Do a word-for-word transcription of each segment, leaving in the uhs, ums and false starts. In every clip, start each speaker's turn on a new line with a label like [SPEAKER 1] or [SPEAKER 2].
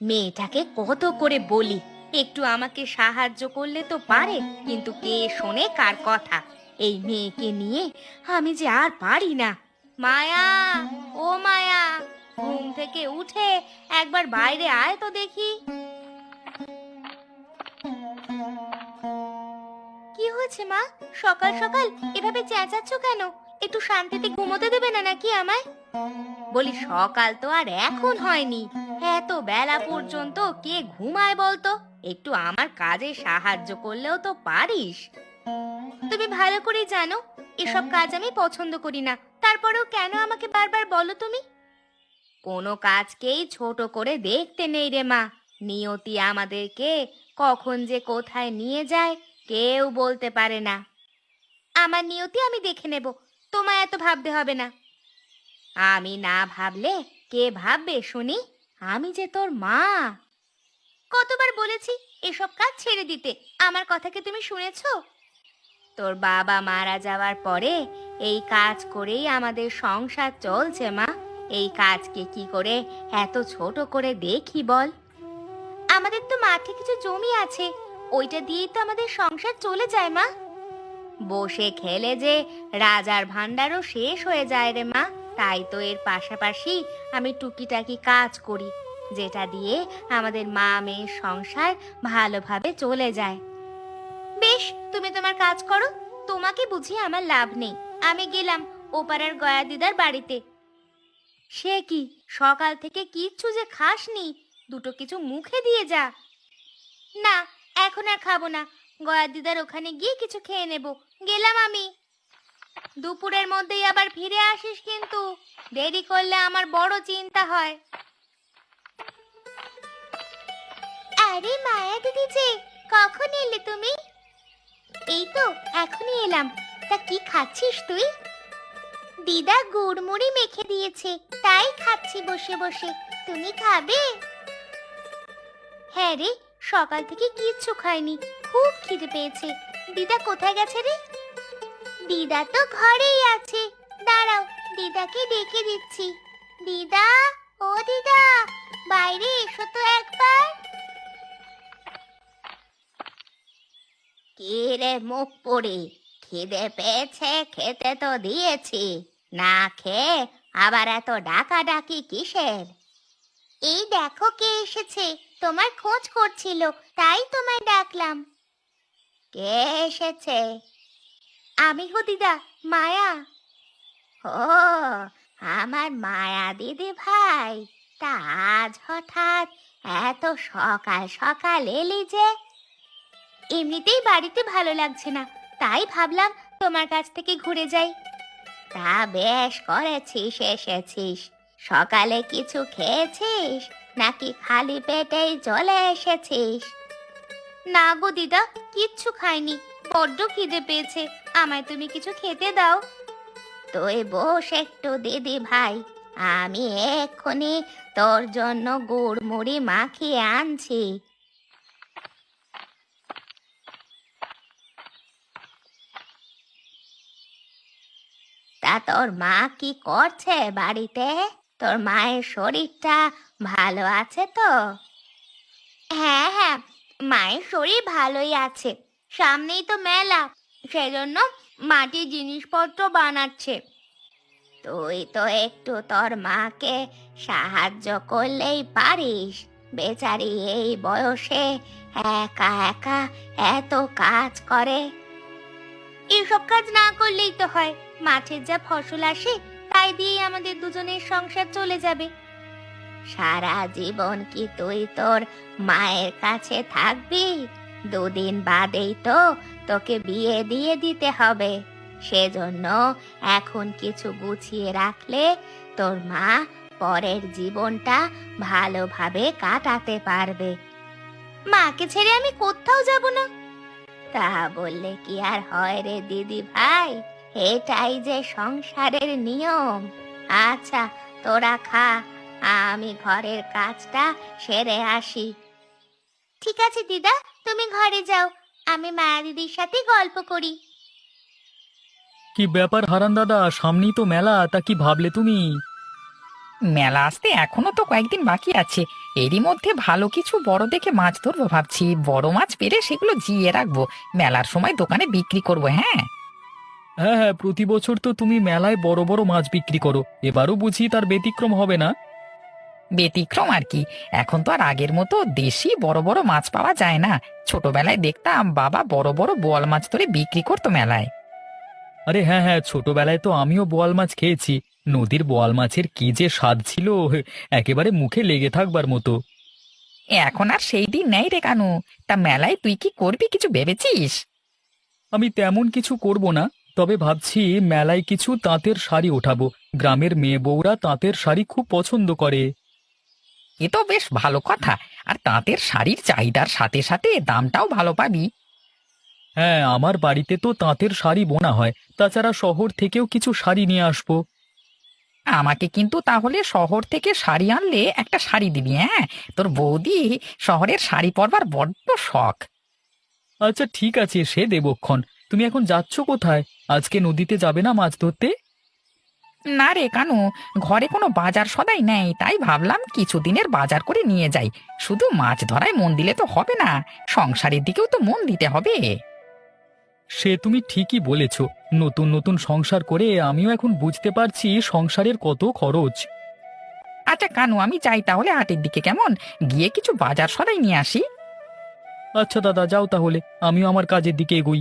[SPEAKER 1] মেয়েটাকে কত করে বলি একটু আমাকে সাহায্য করলে তো পারে, কিন্তু কে শোনে কার কথা। এই মেয়েকে নিয়ে আমি যে আর পারি না। মায়া, ও মায়া, ঘুম থেকে উঠে একবার বাইরে আয় তো দেখি। কি হয়েছে মা? সকাল সকাল এভাবে চেঁচাচ্ছ কেন? একটু শান্তিতে ঘুমোতে দেবে না নাকি আমায়? বলি সকাল তো আর এখন হয়নি, এত বেলা পর্যন্ত কে ঘুমায় বলতো? একটু আমার কাজে সাহায্য করলেও তো পারিস। তুমি ভালো করে জানো এসব কাজ আমি পছন্দ করি না, তারপরেও কেন আমাকে বারবার বলো তুমি? কোনো কাজকেই ছোট করে দেখতে নেই রে মা। নিয়তি আমাদেরকে কখন যে কোথায় নিয়ে যায় কেউ বলতে পারে না। আমার নিয়তি আমি দেখে নেব, তোমায় এত ভাবতে হবে না। আমি না ভাবলে কে ভাববে শুনি? আমি যে তোর মা। কতবার বলেছি এসব কাজ ছেড়ে দিতে, আমার কথা কি তুমি শুনেছো? তোর বাবা মারা যাওয়ার পরে এই কাজ করেই আমাদের সংসার চলছে মা। এই কাজকে কি করে এত ছোট করে দেখি বল? আমাদের তো মাঠে কিছু জমি আছে, ওইটা দিয়েই তো আমাদের সংসার চলে যায় মা। বসে খেলে যে রাজার ভান্ডারও শেষ হয়ে যায় রে মা। তাই তো এর পাশাপাশি আমি টুকিটাকি কাজ করি, যেটা দিয়ে আমাদের মা মেয়ের সংসার ভালোভাবে চলে যায়। বেশ, তুমি তোমার কাজ করো, তোমাকে বুঝিয়ে আমার লাভ নেই। আমি গেলাম ওপাড়ার গয়া দিদার বাড়িতে। সে কি, সকাল থেকে কিচ্ছু যে খাসনি, দুটো কিছু মুখে দিয়ে যা। না, এখন আর খাবো না, গয়া দিদার ওখানে গিয়ে কিছু খেয়ে নেব। গেলাম আমি। দুপুরের মধ্যেই আবার ফিরে আসিস কিন্তু, দেরি করলে আমার বড় চিন্তা হয়। আরে মায়া দিদি যে, কখন এলে তুমি? এই তো এখনই এলাম। তা কি খাচ্ছিস তুই? দিদা গুড়মুড়ি মেখে দিয়েছে, তাই খাচ্ছি বসে বসে। তুমি খাবে? হ্যাঁ রে, সকাল থেকে কিচ্ছু খাইনি, খুব খিদে পেয়েছে। দিদা কোথায় গেছে রে? দিদা তো ঘরেই আছে, দাঁড়াও দিদাকে ডেকে দিচ্ছি। দিদা, ও দিদা, বাইরে এসো তো একবার। কি রে মুখ পুড়ি, খিদে পেয়েছে? খেতে তো দিয়েছি, না খেয়ে আবার এত ডাকাডাকি কিসের? এই দেখো কে এসেছে, তোমার খোঁজ করছিল, তাই তোমায় ডাকলাম। কে এসেছে? আমি গো দিদা, মায়া। ও, আমার মায়া দিদি ভাই। তা আজ হঠাৎ এত সকাল সকাল এলি যে? এমনিতেই বাড়িতে ভালো লাগছে না, তাই ভাবলাম তোমার কাছ থেকে ঘুরে যাই। তা বেশ করেছিস এসেছিস। সকালে কিছু খেয়েছিস নাকি খালি পেটেই চলে এসেছিস? না গো দিদা, কিচ্ছু খাইনি, বড্ড খিদে পেয়েছে, আমায় তুমি কিছু খেতে দাও। তুই বস একটু দিদি ভাই, আমি এক্ষুনি তোর জন্য গুড় মুড়ি মাখিয়ে আনছি। তা তোর মা কি করছে বাড়িতে? তোর মায়ের শরীরটা ভালো আছে তো? হ্যাঁ হ্যাঁ, মায়ের শরীর ভালোই আছে। সামনেই তো মেলা, সেজন্য মাটির জিনিসপত্র বানাচ্ছে। তুই তো একটু তোর মাকে সাহায্য করলেই পারিস। বেচারি এই বয়সে একা একা এত কাজ করে। এসব কাজ না করলেই তো হয়, মাঠের যা ফসল আসে তাই দিয়েই আমাদের দুজনের সংসার চলে যাবে। সারা জীবন কি তুই তোর মায়ের কাছে থাকবি? দুদিন বাদেই তো তোকে বিয়ে দিয়ে দিতে হবে। সেজন্য এখন কিছু গুছিয়ে রাখলে তোর মা পরের জীবনটা ভালোভাবে কাটাতে পারবে। মাকে ছেড়ে আমি কোথাও যাব না। তা বললে কি আর হয় রে দিদি ভাই, এটাই যে সংসারের নিয়ম। আচ্ছা, তোরা খা, আমি ঘরের কাজটা সেরে আসি। ঠিক আছে দিদা, তুমি ঘরে যাও, আমি মায়া দিদির সাথে গল্প করি।
[SPEAKER 2] কি ব্যাপার হারান দাদা, সামনেই তো মেলা, তা কি ভাবলে তুমি?
[SPEAKER 3] মেলা আসতে এখনো তো কয়েকদিন বাকি আছে, এরই মধ্যে ভালো কিছু বড় দেখে মাছ ধরবো ভাবছি। বড় মাছ পেলে সেগুলো জিয়ে রাখবো, মেলার সময় দোকানে বিক্রি করবো। হ্যাঁ,
[SPEAKER 2] হ্যাঁ হ্যাঁ, প্রতি বছর তো তুমি মেলায় বড় বড় মাছ বিক্রি করো, এবারও বুঝি তার ব্যতিক্রম হবে না।
[SPEAKER 3] ব্যতিক্রম আর কি, এখন তো আর আগের মতো দেশি বড় বড় মাছ পাওয়া যায় না। ছোটবেলায় দেখতাম বাবা বড় বড় বোয়াল মাছ ধরে বিক্রি করতো মেলায়।
[SPEAKER 2] আরে হ্যাঁ হ্যাঁ, ছোটবেলায় তো আমিও বোয়াল মাছ খেয়েছি। নদীর বোয়াল মাছের কি যে স্বাদ ছিল, একেবারে মুখে লেগে থাকবার মতো।
[SPEAKER 3] এখন আর সেই দিন নেই রে কানু। তা মেলায় তুই কি করবি, কিছু ভেবেছিস?
[SPEAKER 2] আমি তেমন কিছু করব না, তবে ভাবছি মেলায় কিছু তাঁতের শাড়ি ওঠাবো। গ্রামের মেয়ে বউরা তাঁতের শাড়ি খুব পছন্দ করে।
[SPEAKER 3] এ তো বেশ ভালো কথা। আর তাঁতের শাড়ির চাহিদার সাথে সাথে দামটাও ভালো পাবি।
[SPEAKER 2] হ্যাঁ, আমার বাড়িতে তো তাঁতের শাড়ি বোনা হয়, তাছাড়া শহর থেকেও কিছু শাড়ি নিয়ে আসবো।
[SPEAKER 3] আমাকে কিন্তু তাহলে শহর থেকে শাড়ি আনলে একটা শাড়ি দিবি, হ্যাঁ? তোর বৌদি শহরের শাড়ি পরবার বড্ড শখ।
[SPEAKER 2] আচ্ছা ঠিক আছে, সে দেবক্ষণ। তুমি এখন যাচ্ছ কোথায়? আজকে নদীতে যাবে না মাছ ধরতে?
[SPEAKER 3] না রে কানু, ঘরে কোনো বাজার সদাই নেই, তাই ভাবলাম কিছুদিনের বাজার করে নিয়ে যাই। শুধু মাছ ধরায় মন দিলে তো হবে না, সংসারের দিকেও তো মন দিতে হবে।
[SPEAKER 2] সে তুমি ঠিকই বলেছ। নতুন নতুন সংসার করে আমিও এখন বুঝতে পারছি সংসারের কত খরচ।
[SPEAKER 3] আচ্ছা কানু, আমি যাই তাহলে হাটের দিকে, কেমন? গিয়ে কিছু বাজার সদাই নিয়ে আসি।
[SPEAKER 2] আচ্ছা দাদা, যাও তাহলে, আমিও আমার কাজের দিকে এগোই।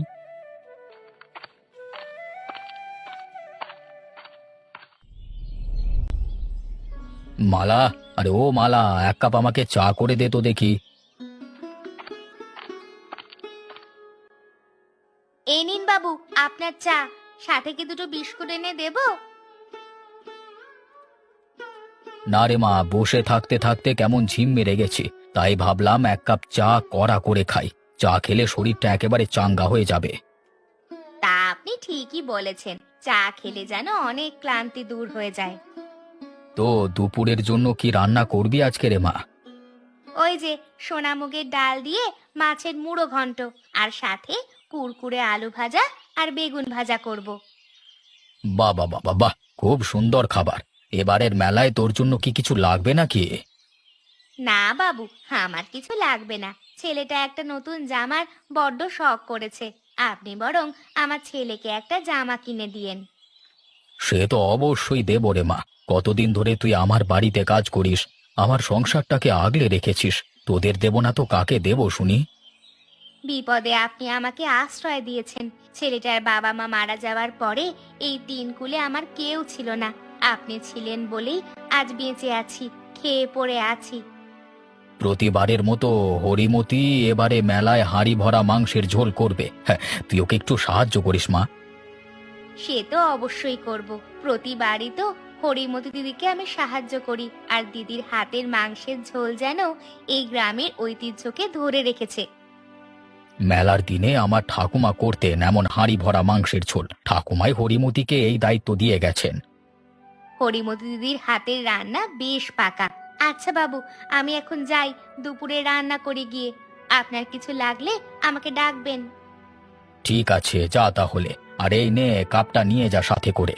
[SPEAKER 2] মালা, আরে ও মালা, এক কাপ আমাকে চা করে দে তো দেখি।
[SPEAKER 1] এই নিন বাবু আপনার চা, সাথে কি দুটো বিস্কুট এনে দেব?
[SPEAKER 2] না রে মা, বসে থাকতে থাকতে কেমন ঝিম মেরে গেছে, তাই ভাবলাম এক কাপ চা কড়া করে খাই। চা খেলে শরীরটা একেবারে চাঙ্গা হয়ে যাবে।
[SPEAKER 1] তা আপনি ঠিকই বলেছেন, চা খেলে যেন অনেক ক্লান্তি দূর হয়ে যায়।
[SPEAKER 2] তো দুপুরের জন্য কি রান্না করবি আজকে রে মা?
[SPEAKER 1] ওই যে সোনামুগের ডাল দিয়ে মাছের মুড়ো ঘন্ট, আর সাথে কুরকুরে আলু ভাজা আর বেগুন ভাজা করব।
[SPEAKER 2] বাহ বাহ বাহ বাহ, খুব সুন্দর খাবার। এবারের মেলায় তোর জন্য কি কিছু লাগবে নাকি?
[SPEAKER 1] না বাবু, আমার কিছু লাগবে না। ছেলেটা একটা নতুন জামার বড্ড শখ করেছে, আপনি বরং আমার ছেলেকে একটা জামা কিনে দিয়েন।
[SPEAKER 2] সে তো অবশ্যই দেব রে মা। কতদিন ধরে তুই আমার বাড়িতে কাজ করিস, আমার সংসারটাকে আগলে রেখেছিস, তোদের দেব না তো কাকে দেব শুনি?
[SPEAKER 1] বিপদে আপনি আমাকে আশ্রয় দিয়েছেন। ছেলেটার বাবা মা মারা যাওয়ার পরে এই তিন কুলে আমার কেউ ছিল না। আপনি ছিলেন বলেই আজ বেঁচে আছি, খেয়ে পড়ে আছি।
[SPEAKER 2] প্রতিবারের মতো হরিমতি এবারে মেলায় হাঁড়ি ভরা মাংসের ঝোল করবে। হ্যাঁ, তুই ওকে একটু সাহায্য করিস মা।
[SPEAKER 1] সে তো অবশ্যই করব। প্রতিবারই তো হরিমতি দিদিকে আমি সাহায্য করি, আর দিদির হাতের মাংসের ঝোল যেন এই গ্রামের ঐতিহ্যকে ধরে রেখেছে।
[SPEAKER 2] মেলার দিনে আমার ঠাকুমা করতেন এমন হাঁড়ি ভরা মাংসের ঝোল, ঠাকুমাই হরিমতিকে এই দায়িত্ব দিয়ে গেছেন।
[SPEAKER 1] হরিমতি দিদির হাতের রান্না বেশ পাকা। আচ্ছা বাবু, আমি এখন যাই, দুপুরে রান্না করে গিয়ে। আপনার কিছু লাগলে আমাকে ডাকবেন।
[SPEAKER 2] ঠিক আছে, যা তাহলে। আর এই নে, কাপটা নিয়ে যা সাথে করে।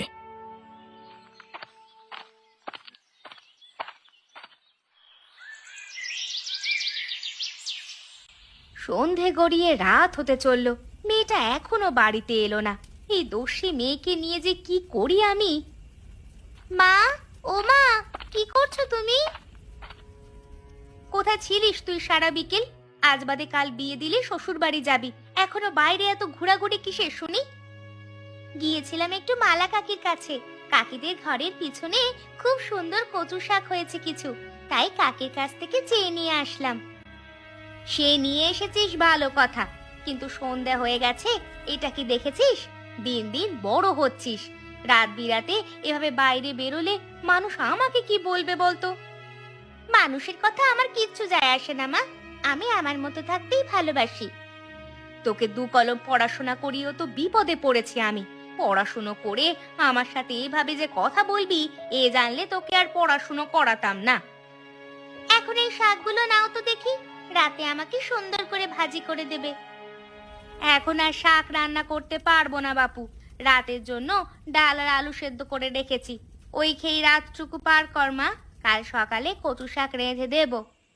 [SPEAKER 1] সন্ধে গড়িয়ে রাত হতে চলল, মেয়েটা এখনো বাড়িতে এলো না। এই দস্যি মেয়েকে নিয়ে যে কি করি আমি। মা, ও মা, কি করছো তুমি? কোথায় ছিলিস তুই সারা বিকেল? আজ বাদে কাল বিয়ে দিলে শ্বশুর বাড়ি যাবি, এখনো বাইরে এত ঘোরাঘুরি কিসের শুনি? গিয়েছিলাম একটু মালা কাকির কাছে। কাকিদের ঘরের পিছনে খুব সুন্দর কচু শাক হয়েছে কিছু, তাই কাকির কাছ থেকে চেয়ে নিয়ে আসলাম। সে নিয়ে এসেছিস ভালো কথা, কিন্তু সন্ধ্যা হয়ে গেছে, এটা কি দেখেছিস? দিন দিন বড় হচ্ছিস, রাত বিরাতে এভাবে বাইরে বেরোলে মানুষ আমাকে কি বলবে বলতো? মানুষের কথা আমার কিচ্ছু যায় আসে না মা, আমি আমার মতো থাকতেই ভালোবাসি। তোকে দু কলম পড়াশোনা করিও তো বিপদে পড়েছি আমি। পড়াশুনো করে আমার সাথে এভাবে যে কথা বলবি, এ জানলে তোকে আর পড়াশুনো করাতাম না। এখন এই শাকগুলো নাও তো দেখি, রাতে আমাকে সুন্দর করে ভাজি করে দেবে। এখন আর শাক রান্না করতে পারবো না বাপু, রাতের জন্য ডাল আর আলু সেদ্ধ করে রেখেছি, ওই খেয়ে রাতটুকু পার কর মা। কাল সকালে কচু শাক রেঁধে দেব।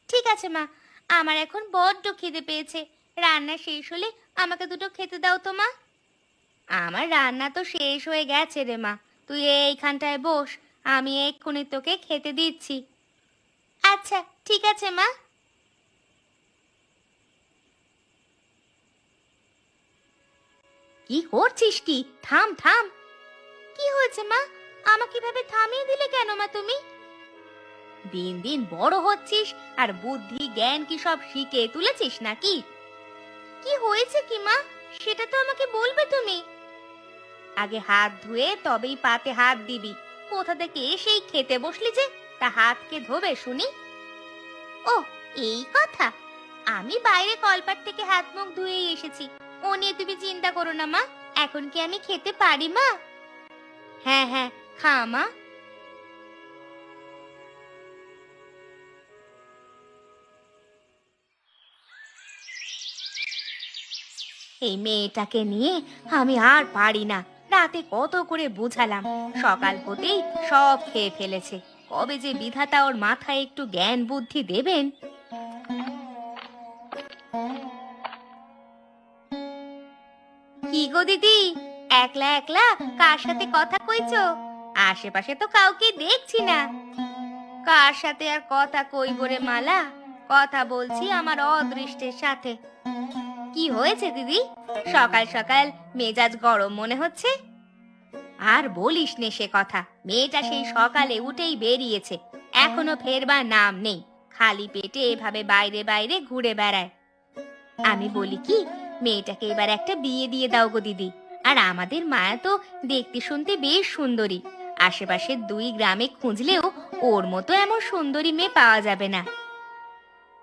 [SPEAKER 1] ঠিক আছে মা, আমার এখন বড্ড খিদে পেয়েছে। রান্না শেষ হলে আমাকে দুটো খেতে দাও তো মা। আমার রান্না তো শেষ হয়ে গেছে রে মা, তুই এইখানটায় বস, আমি এক্ষুনি তোকে খেতে দিচ্ছি। আচ্ছা ঠিক আছে মা। কি করছিস কি? থাম থাম। কি হয়েছে মা? আমাকে এভাবে থামিয়ে দিলে কেন মা তুমি? দিন দিন বড় হচ্ছিস আর বুদ্ধি জ্ঞান কি সব শিখে তুলেছিস নাকি? কি হয়েছে কি মা, সেটা তো আমাকে বলবে তুমি। আগে হাত ধুয়ে তবেই পাতে হাত দিবি। কোথা থেকে এসেই খেতে বসলি যে, তা হাতকে ধোবে শুনি? ও এই কথা, আমি বাইরে কলপাট থেকে হাত মুখ ধুয়েই এসেছি, ও নিয়ে তুমি চিন্তা করো না মা। এখন কি আমি খেতে পারি মা? হ্যাঁ হ্যাঁ, খা মা। এই মেয়েটাকে নিয়ে আমি আর পারি না। রাতে কত করে বুঝালাম, সকাল হতেই সব খেয়ে ফেলেছে। কবে যে বিধাতা ওর মাথায় একটু জ্ঞান বুদ্ধি দেবেন। কি গো দিদি, একলা একলা কার সাথে কথা কইছো? আশেপাশে তো কাউকে দেখছি না। কার সাথে আর কথা কইব রে মালা, কথা বলছি আমার অদৃষ্টের সাথে। কি হয়েছে দিদি, সকাল সকাল মেজাজ গরম মনে হচ্ছে? আর বলিস নে সে কথা, মেয়েটা সেই সকালে উঠেই বেরিয়েছে, এখনো ফেরবার নাম নেই। খালি পেটে এভাবে বাইরে বাইরে ঘুরে বেড়ায়। আমি বলি কি, মেয়েটাকে এবার একটা বিয়ে দিয়ে দাও গো দিদি। আর আমাদের মায়া তো দেখতে শুনতে বেশ সুন্দরী, আশেপাশের দুই গ্রামে খুঁজলেও ওর মতো এমন সুন্দরী মেয়ে পাওয়া যাবে না।